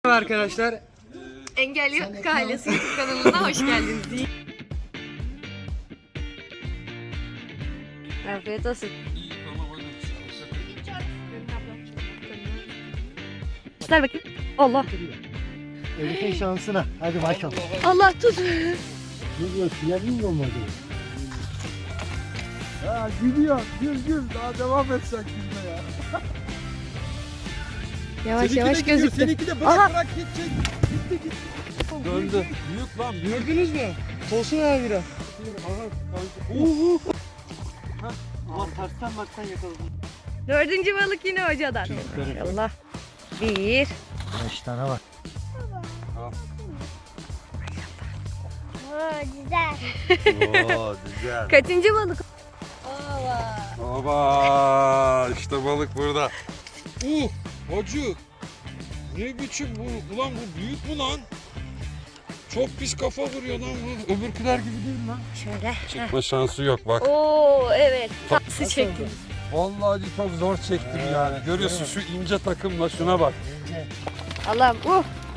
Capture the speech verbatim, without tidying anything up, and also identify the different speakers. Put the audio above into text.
Speaker 1: Arkadaşlar
Speaker 2: Engelli Yok Ailesi YouTube kanalına hoş geldiniz. Afiyet olsun. Tutar bakayım. Allah.
Speaker 3: Elif'in şansına. Hadi bakalım.
Speaker 2: Allah tut.
Speaker 3: Ne diyor? Silerin mi olmadı? Ya gidiyor. Gül gül. Daha devam edecek gülme ya.
Speaker 2: Yavaş yavaş gözüktü.
Speaker 3: Seninki de bırak
Speaker 2: Aha.
Speaker 3: bırak gidecek. Gitti gitti.
Speaker 1: döndü.
Speaker 3: Büyük lan.
Speaker 1: Gördünüz mü? Tosun abi bira.
Speaker 3: Uhu. Ama tersten baksan yakaladım.
Speaker 2: Dördüncü balık yine hocadan. Allah. Bir.
Speaker 3: Beş tane var.
Speaker 4: Oo, güzel.
Speaker 5: Oo güzel.
Speaker 2: Kaçıncı balık?
Speaker 5: Baba işte balık burada. Uh hacı. Ne biçim bu? Ulan bu büyük mü lan? Çok pis kafa vuruyor lan bu. Öbürküler gibi değil lan.
Speaker 2: Şöyle.
Speaker 5: Çıkma şansı yok bak.
Speaker 2: Oo evet. Tatlısı çekti.
Speaker 5: Vallahi çok zor çektim yani. Görüyorsun şu ince takımla şuna bak.
Speaker 2: Allah'ım. Uh.